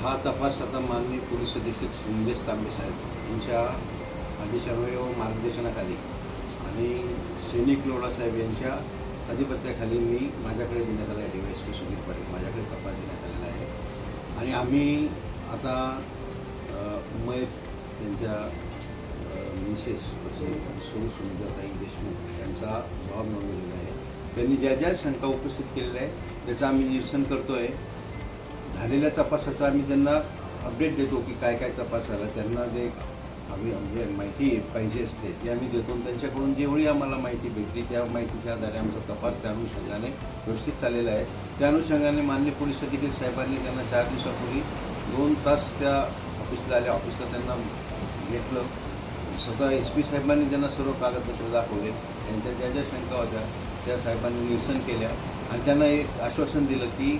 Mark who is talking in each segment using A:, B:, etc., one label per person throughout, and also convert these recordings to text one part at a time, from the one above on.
A: हा तपास आता माननीय पोलीस अधीक्षक निलेश तांबे साहेब यांच्या आदेशान्वये व मार्गदर्शनाखाली आणि सैनिक लोढा साहेब यांच्या अधिपत्याखाली माझ्याकडे देण्यात आला आहे. DYSP सुधीर पाटील माझ्याकडे तपास देण्यात आलेला आहे आणि आम्ही आता मयत त्यांच्या मिसेस सौ सुंदरताई देशमुख यांचा जबाब नोंदवलेला आहे. त्यांनी ज्या ज्या शंका उपस्थित केलेल्या आहे त्याचं आम्ही निरसन करतो आहे. झालेल्या तपासाचा आम्ही त्यांना अपडेट देतो की काय काय तपास झाला. त्यांना जे आम्ही म्हणजे माहिती पाहिजे असते ती आम्ही देतो. त्यांच्याकडून जेवढी आम्हाला माहिती भेटली त्या माहितीच्या आधारे आमचा तपास त्या अनुषंगाने व्यवस्थित चाललेला आहे. त्या अनुषंगाने माननीय पोलीस अधीक्षक साहेबांनी त्यांना 4 दिवसापूर्वी 2 तास त्या ऑफिसला आल्या. ऑफिसला त्यांना घेतलं. स्वतः SP साहेबांनी त्यांना सर्व कागदपत्र दाखवले. त्यांच्या ज्या ज्या शंका होत्या त्या साहेबांनी निरसन केल्या आणि त्यांना एक आश्वासन दिलं की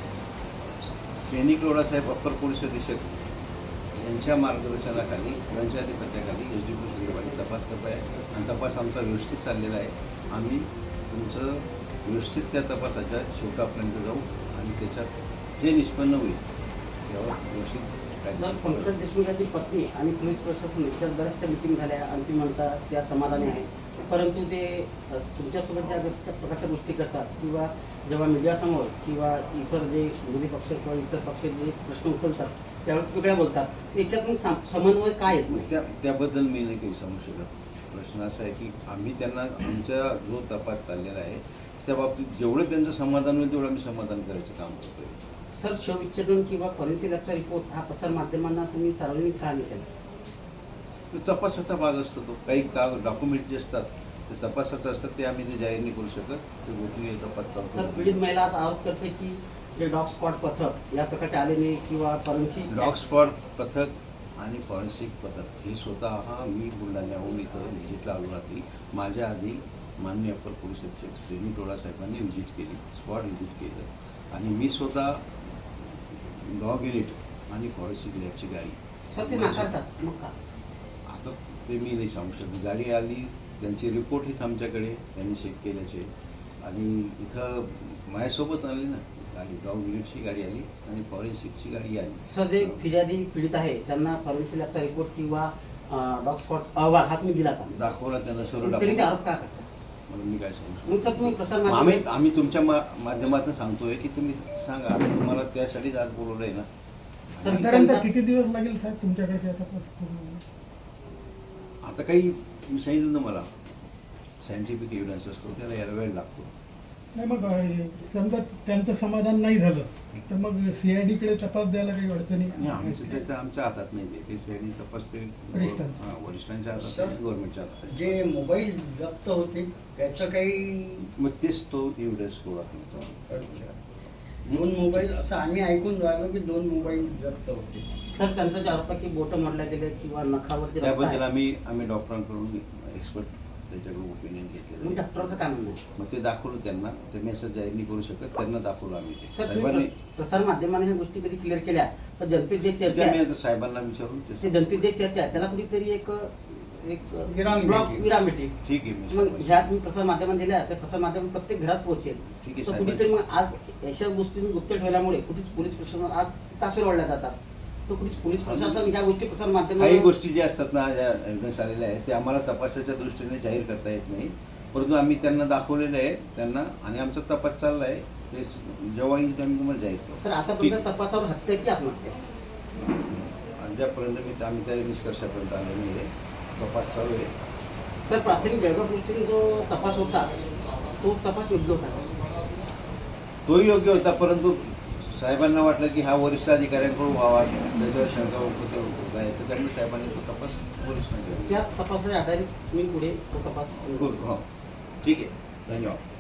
A: सैनिक लोढा साहेब अप्पर पोलीस अधीक्षक यांच्या मार्गदर्शनाखाली यांच्या अधिपत्याखाली SDPO संदर्भाने तपास करत आहे आणि तपास आमचा व्यवस्थित चाललेला आहे. आम्ही तुमचं व्यवस्थित त्या तपासाच्या शेवटापर्यंत जाऊ आणि त्याच्यात जे निष्पन्न होईल त्यावर व्यवस्थित
B: पंकज देशमुख यांची पत्नी आणि पोलीस प्रशासन इतर बऱ्याचशा मिटिंग झाल्या अंतिम म्हणतात त्या समाधानी आहे. परंतु ते तुमच्यासोबत ज्या प्रकारच्या गोष्टी करतात किंवा जेव्हा मीडियासमोर किंवा इतर जे विरोधी पक्ष किंवा इतर पक्ष जे प्रश्न उचलतात त्यावेळेस वेगळ्या बोलतात. याच्यात मग समन्वय काय आहेत?
A: त्याबद्दल मी नाही काही सांगू शकत. प्रश्न असा आहे की आम्ही त्यांना आमचा जो तपास चाललेला आहे त्या बाबतीत जेवढं त्यांचं समाधान होईल तेवढं आम्ही समाधान करायचं काम करतोय.
B: सर, शवविच्छेदन किंवा फॉरेन्सिक लॅबचा रिपोर्ट हा प्रसारमाध्यमांना तुम्ही सार्वजनिक का नाही केला?
A: तपासाचा भाग असतो तो. काही डॉक्युमेंट जे असतात ते तपासाचं असतात ते आम्ही ते जाहीर नाही करू शकत. ते गोपनीय तपास चालतो.
B: सर, पीडित महिला आज आरोप करते की जे डॉग स्पॉट पथक या प्रकारचे आले नाही किंवा फॉरेन्सिक
A: डॉग स्पॉट पथक आणि फॉरेन्सिक पथक हे स्वतः मी बुलढाण्याहून इथं व्हिजिटला आलो रात्री. माझ्या आधी माननीय अप्पर पोलीस अधीक्षक सैनिक लोढा साहेबांनी व्हिजिट केली, स्पॉट व्हिजिट केलं आणि मी स्वतः डॉग युनिट आणि फॉरेन्सिक लॅबची गाडी.
B: सर, ते नाकारतात. मग का
A: आता ते मी नाही सांगू शकत. गाडी आली, त्यांचे रिपोर्ट हेच आमच्याकडे त्यांनी चेक केल्याचे आणि इथं माझ्यासोबत आली ना गाडी. डॉग युनिटची गाडी आली आणि फॉरेन्सिकची गाडी आली.
B: सर, जे फिर्यादी पीडित आहे त्यांना फॉरेन्सिक लॅबचा रिपोर्ट किंवा डॉग स्पॉट अहवाल हा तुम्ही दिला का?
A: दाखवला त्यांना सर्व
B: तरी ते
A: दाखवला.
B: आरोप का करतात?
A: म्हणून मी काय सांगू
B: मग सर, तुम्ही प्रसार
A: शकतो. आम्ही तुमच्या माध्यमातून सांगतोय की तुम्ही सांगा. आम्ही तुम्हाला त्यासाठीच आज बोलवलंय ना.
C: साधारणतः किती दिवस लागेल साहेब तुमच्याकडे तपास पूर्ण?
A: आता काही मी सांगितलं ना मला सायंटिफिक एव्हिडन्स असतो त्याला यायला वेळ लागतो.
C: नाही, मग समजा त्यांचं समाधान नाही झालं तर मग CID कडे तपास द्यायला काही अडचणी?
A: त्याचं आमच्या हातात नाही. ते CID तपास ते वरिष्ठांच्या हातात आहे, गव्हर्नमेंटच्या हातात आहे.
D: जे मोबाईल जप्त होते त्याचं काही
A: मग तेच तो एव्हिडन्स गोळा करतो.
D: 2 मोबाईल असं आम्ही ऐकून राहिलो की 2 मोबाईल जप्त होते.
B: सर, त्यांचा जे आरोप आहे की बोटं मोडल्या गेले किंवा नखावर जे रक्त
A: त्याबद्दल
B: आहे,
A: आम्ही डॉक्टरांकडून एक्सपर्ट त्याच्याकडून ओपिनियन
B: मग
A: घेतलेलं.
B: डॉक्टरचं काय म्हणणं आहे?
A: मग ते दाखवलं त्यांना. त्यांनी असं जाहीर नाही करू शकत. त्यांना दाखवलं आम्ही ते
B: सर,
A: साहेबांनी.
B: तुम्ही प्रसार माध्यमांना ह्या गोष्टी कधी क्लिअर केल्या तर जनतेत जे चर्चा
A: मी
B: आहे
A: आता साहेबांना विचारून
B: ते जनतेत जे चर्चा आहे त्याला कुठेतरी एक
D: विराम
B: ब्लॉक
D: भेटेल.
B: विराम भेटेल.
A: ठीक आहे. मी
B: मग ह्या तुम्ही प्रसार माध्यमात दिल्या तर प्रसार माध्यम प्रत्येक घरात पोहोचेल.
A: ठीक आहे
B: तर
A: साहेब.
B: कुठेतरी मग आज अशा गोष्टी गुप्त ठेवल्यामुळे कुठेच पोलीस प्रशासन आज तासर ओढल्या जातात. तर कुठेच पोलीस प्रशासन ह्या गोष्टी प्रसार
A: काही
B: माध्यमात
A: गोष्टी ज्या असतात ना ज्या एव्हिडन्स आलेल्या आहेत ते आम्हाला तपासाच्या दृष्टीने जाहीर करता येत नाही. परंतु आम्ही त्यांना दाखवलेलं आहे त्यांना आणि आमचा तपास चालला आहे. ते जेव्हा येईल आम्ही तुम्हाला जायचं.
B: तर आतापर्यंत तपासावर हत्या की आत्महत्या?
A: अद्यापर्यंत आम्ही त्या निष्कर्षापर्यंत आलो नाही आहे. तपास चालू आहे.
B: तर प्राथमिक बेळगाव पोलिसांनी जो तपास होता तो तपास योग्य होता?
A: तोही योग्य होता. परंतु साहेबांना वाटलं की हा वरिष्ठ अधिकाऱ्यांकडून व्हावा त्याच्यावर शंका होत आहे तर त्यांनी साहेबांनी तो तपास वरिष्ठांकडे
B: त्या तपासाच्या आधारे तुम्ही पुढे तो तपास
A: करू. हो, ठीक आहे. धन्यवाद.